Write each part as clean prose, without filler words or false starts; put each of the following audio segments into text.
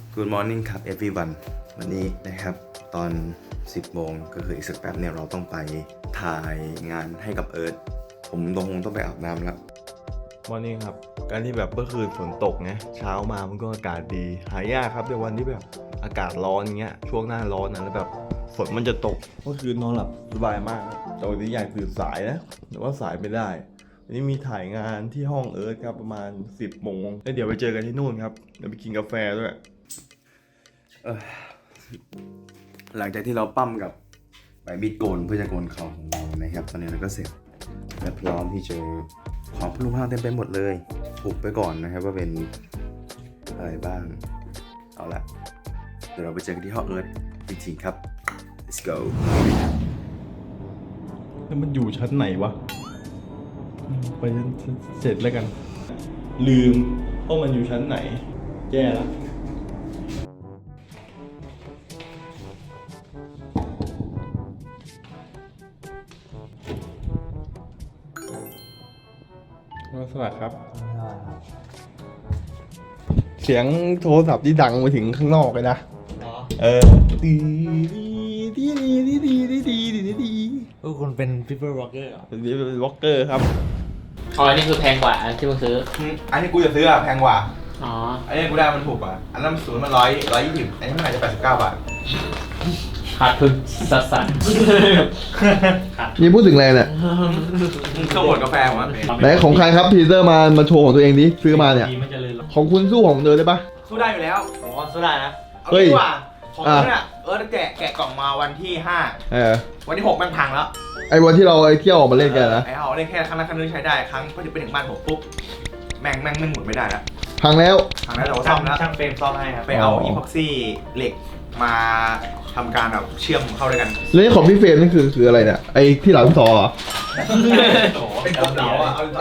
Good morning ครับ everyone วันนี้นะครับตอน 10 โมงก็คืออีกสักแป๊บเนี่ยเราต้องไปถ่ายงานให้กับเอิร์ธผมคงต้องไปอาบน้ำแล้วมอร์นิ่งครับการที่แบบเมื่อคืนฝนตกไงเช้ามามันก็อากาศดีหายากครับในวันที่แบบอากาศร้อนเงี้ยช่วงหน้าร้อนนะแล้วแบบฝนมันจะตกเมื่อคืนนอนหลับสบายมากแต่วันนี้อยากตื่นสายนะแต่ว่าสายไม่ได้วันนี้มีถ่ายงานที่ห้องเอิร์ธครับประมาณ 10 โมงแล้วเดี๋ยวไปเจอกันที่นู่นครับเดี๋ยวไปกินกาแฟด้วยหลังจากที่เราปั้มกับใบมีดโกนเพื่อจะโกนคอของเรานะครับตอนนี้เราก็เสร็จและพร้อมที่จะของพลุงพลังเต็มไปหมดเลยอุบไปก่อนนะครับว่าเป็นอะไรบ้างเอาละเดี๋ยวเราไปเจอกันที่ห้องเอิร์ธจริงๆครับ let's go แล้วมันอยู่ชั้นไหนวะไปชั้นเสร็จแล้วกันลืมว่ามันอยู่ชั้นไหนแย่แล้วสวัสดีครับเสียงโทรศัพท์ที่ดังไปถึงข้างนอกเลยนะดีคุณเป็น people rocker เหรอเป็นวอล์กเกอร์ครับอ๋ออันนี้คือแพงกว่าอันที่มึงซื้ออันนี้กูจะซื้ออะแพงกว่าอ๋ออันนี้กูได้มันถูกกว่าอันนั้นศูนย์มัน120อันนี้มันอาจจะ89 บาทขาดทุนสัสสันนี่พูดถึงอะไรเนี่ยข้าวบดกาแฟผมว่าไหนของใครครับพีเตอร์มาโชว์ของตัวเองดิซื้อมาเนี่ยดีมันจะเลยหรอของคุณสู้ของเดินได้ปะสู้ได้อยู่แล้วอ๋อสู้ได้นะเอาเฮ้ยดีกว่าของคุณน่ะแกะกล่องมาวันที่5วันที่6มันพังแล้วไอ้วันที่เราเที่ยวออกมาเล่นกันนะไอ้เอาเล่นแค่ครั้งละครั้งนึงใช้ได้ครั้งพอไปถึงบ้านผมปุ๊บแม่งหมุนไม่ได้แล้วพังแล้วพังแล้วเราซ่อมแล้วช่างเฟรมซ่อมให้ครับไปเอาอีพ็อกซี่เหล็กมาทำการแบบเชื่อมเข้าด้วยกันแล้วนี่ของพี่เฟรมนี่คืออะไรเนี่ยไอ้ที่หลังซอเหรอเป็นกลมเหลาอ่ะเอา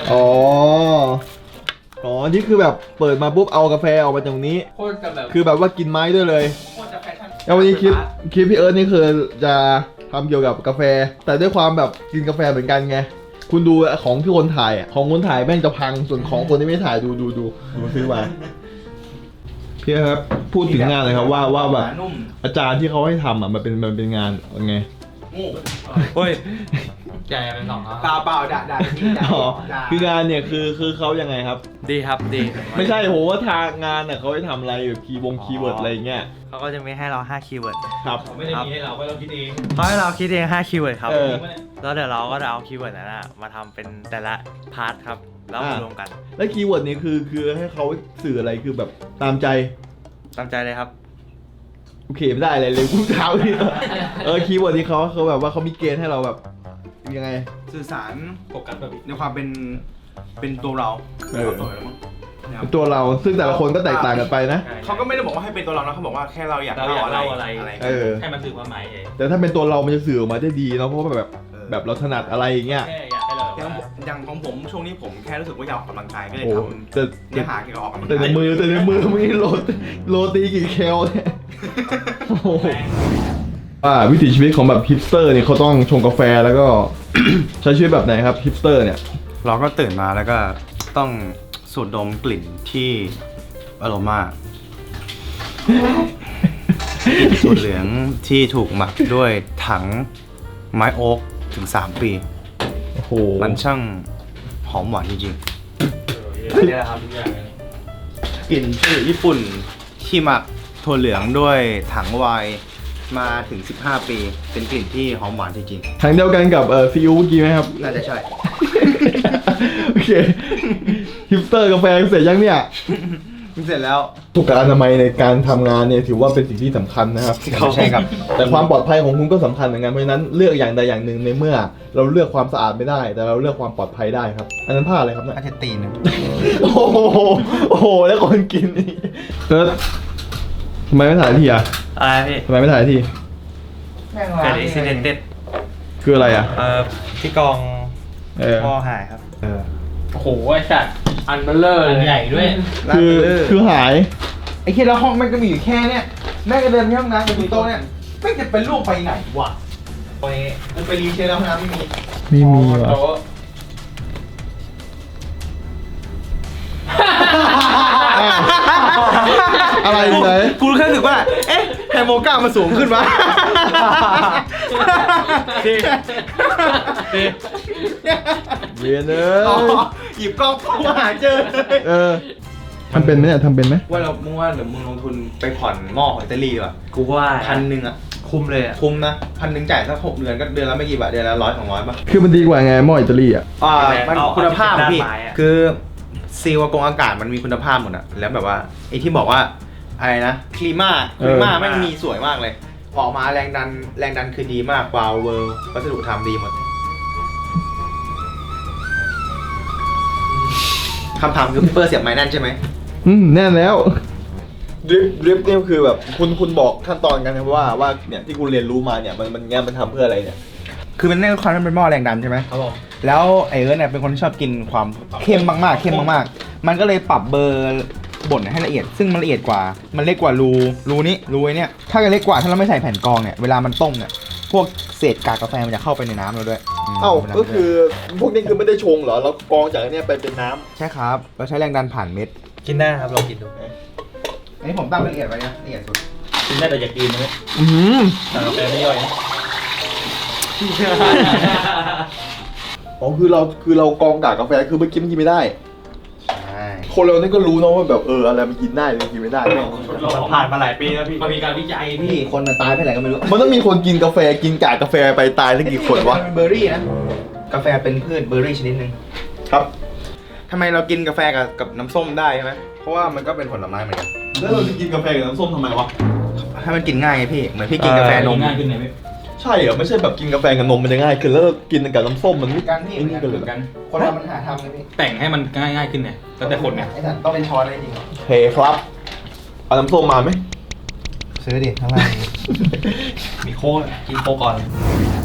อ๋อนี่คือแบบเปิดมาปุ๊บเอากาแฟออกมาจากตรงนี้โคตรจะแบบคือแบบว่ากินไม้ด้วยเลยโคตรจะแฟชั่นแล้ววันนี้คลิปพี่เอิร์ธนี่คือจะทำเกี่ยวกับกาแฟ แต่ด้วยความแบบกินกาแฟเหมือนกันไงคุณดูของที่คนถ่ายของคนถ่ายแม่งจะพังส่วนของคนที่ไม่ถ่ายดูซื้อมาพี่ครับพูดถึงงานเลยครับว่าแบบนุ่มอาจารย์ที่เขาให้ทำอ่ะมันเป็นงานยังไงงูเฮ้ยใหญ่เป็นสองครับเปล่าด่าที่ด่าอ๋อคืองานเนี่ยคือเขายังไงครับดีครับดีไม่ใช่โหว่าทางงานเนี่ยเขาให้ทำอะไรแบบคีย์เวิร์ดอะไรเงี้ยเขาก็จะมีให้เรา5คีย์เวิร์ดครับไม่ได้มีให้เราเราคิดเองเขาให้เราคิดเอง5คีย์เวิร์ดครับเออแล้วเดี๋ยวเราก็จะเอาคีย์เวิร์ดนั้นมาทำเป็นแต่ละพาร์ทครับแล้วมารวมกันแล้วคีย์เวิร์ดนี่คือให้เขาสื่ออะไรคือแบบตามใจตามใจเลยครับโอเคไม่ได้อะไรเลยกูเท้าที่คีย์เวิร์ดที่เขาแบบว่าเขามีเกณฑ์ให้เราแบบยังไงสื่อสารโฟกัสแบบในความเป็นตัวเราเป็นตัวเราซึ่งแต่ละคนก็แตกต่างกันไปนะเขาก็ไม่ได้บอกว่าให้เป็นตัวเรานะเขาบอกว่าแค่เราอยากเล่าอะไรให้มันสื่อความหมายเองแต่ถ้าเป็นตัวเรามันจะสื่อออกมาได้ดีเนาะเพราะว่าแบบเราถนัดอะไรอย่างเงี้ยแค่อยากให้เราอย่างของผมช่วงนี้ผมแค่รู้สึกว่าอยากออกกำลังกายก็เลยโอ้ทแต่ำเนื้อหาเกี่ยวกับออกกำลังแต่กายในมือมึงนี่โรตีกี่แคลเนี่ยโอ้โหวิถีชีวิตของแบบฮิปสเตอร์เนี่ยเขาต้องชงกาแฟแล้วก็ ใช้ชีวิตแบบไหนครับฮิปสเตอร์เนี่ยเราก็ตื่นมาแล้วก็ต้องสูดดมกลิ่นที่อโรมาสูตรเหลืองที่ถูกหมักด้วยถังไม้โอ๊กถึง3 ปีโอ้โหมันช่างหอมหวานจริงนี่แหละครับทุกอย่างๆกลิ่นที่ญี่ปุ่นที่หมักถั่วเหลืองด้วยถังไวน์มาถึง15 ปี เป็นกลิ่นที่หอมหวานจริงทางเดียวกันกับซีอิ๊วเมื่อกี้ไหมครับๆน่าจะใช่โอเคฮิปสเตอร์กาแฟเสร็จยังเนี่ยเสร็จแล้วสุขอนามัยในการทำงานเนี่ยถือว่าเป็นสิ่งที่สำคัญนะครับใช่ครับแต่ความปลอดภัยของคุณก็สำคัญเหมือนกันเพราะฉะนั้นเลือกอย่างใดอย่างหนึ่งในเมื่อ เราเลือกความสะอาดไม่ได้ แต่เราเลือกความปลอดภัยได้ครับอันนั้นผ้าอะไรครับเนี่ยอาจจะตีนโอ้โหแล้วคนกินนี่เติร์ดทำไมไม่ถ่ายทีอ่ะอะไรพี่ทำไมไม่ถ่ายทีเกิดอุบิเหตุคืออะไรอ่ะที่กอง พ่อหายครับเออโอ้โหไอ้สัตว์อันเบลเลอร์ใหญ่ด้วยคือหายไอ้แค่แล้วห้องแม่งก็มีอยู่แค่เนี้ยแม่งก็เดินไปห้องน้ำกับมีโต๊ะเนี่ยไม่จะเป็นลูกไปไหนวะกูไปรีเช็คแล้วห้องน้ำไม่มีไม่มีว่ะ อะไรไหนสึกว่า เอ๊ะไฮโมก้ามันสูงขึ้นวะเวียนเนอ๋อหยิบกล้องเข้ามาหาเจอทำเป็นไหมเนี่ยทำเป็นไหมว่าเรามึงว่าเดี๋ยวมึงลงทุนไปผ่อนหม้อของอิตาลีดีกว่ากูว่า 1,000อ่ะคุ้มเลยอ่ะคุ้มนะ1,000จ่ายสัก6 เดือนก็เดือนละไม่กี่บาทเดือนละ100-200ป่ะคือมันดีกว่าไงหม้ออิตาลีอ่ะมันคุณภาพอะพี่คือซีลกงอากาศมันมีคุณภาพหมดอะแล้วแบบว่าไอ้ที่บอกว่าอะไรนะคลีมาแม่งมีสวยมากเลย ออกมาแรงดันคือดีมากวาวเวอร์วัสดุทำดีหมดคำถามคือพี่เปอร์เสียบไม้แน่นใช่ไหมแน่นแล้วดริฟเนี่ยคือแบบคุณบอกขั้นตอนกันนะว่าเนี่ยที่คุณเรียนรู้มาเนี่ยมันทำเพื่ออะไรเนี่ยคือมันแน่นความมันเป็นหม้อแรงดันใช่ไหมครับผมแล้วไอเอิร์ธเนี่ยเป็นคนที่ชอบกินความเข้มมากๆเข้มมากๆมันก็เลยปรับเบอร์บดให้ละเอียดซึ่งมันละเอียดกว่ามันเล็กกว่ารูนี้รูไอ้เนี่ยถ้าจะเล็กกว่าถ้าเราไม่ใส่แผ่นกรองเนี่ยเวลามันต้มเนี่ยพวกเศษกากกาแฟมันจะเข้าไปในน้ำเราด้วยก็คือพวกนี้คือไม่ได้ชงเหรอเรากรองจากอันเนี้ยไปเป็นน้ำใช่ครับเราใช้แรงดันผ่านเม็ดกินได้ครับลองกินดูอันนี้ผมตั้งละเอียดไว้นะละเอียดสุดกินได้แต่อย่ากินนะ แต่กาแฟไม่ย่อยนะอ๋อคือเรากรองกากกาแฟคือไม่กินไม่ได้ใช่คนเรานี่ก็รู้นะว่าแบบอะไรมันกินได้มันกินไม่ได้มันผ่านมาหลายปีแล้วพี่มันมีการวิจัยพี่พี่คนมันตายไปไหนก็ไม่รู้มันต้องมีคนกินกาแฟกินกากกาแฟไปตายสักกี่คนวะเป็นเบอร์รี่นะกาแฟเป็นพืชเบอร์รี่ชนิดหนึ่งครับทำไมเรากินกาแฟกับน้ำส้มได้ใช่ไหมเพราะว่ามันก็เป็นผลไม้เหมือนกันแล้วเราจะกินกาแฟกับน้ำส้มทำไมวะให้มันกินง่ายไงพี่เหมือนพี่กินกาแฟนมง่ายขึ้นไหมพี่ใช่เหรอไม่ใช่แบบกินกาแฟกับนมมันจะง่ายขึ้นแล้วกินกับน้ำส้มมันไม่กันพี่ไอ้นี่กันเลยเหรอคนเรามันหาทำเลยพี่แต่งให้มันง่ายขึ้นไงแล้วแต่คนไงไอ้สันต้องเป็นช้อนเลยจริงโอเคครับเอาน้ำส้มมาไหมซื้อดิข้างล่างมีโค้กกินโค้กก่อน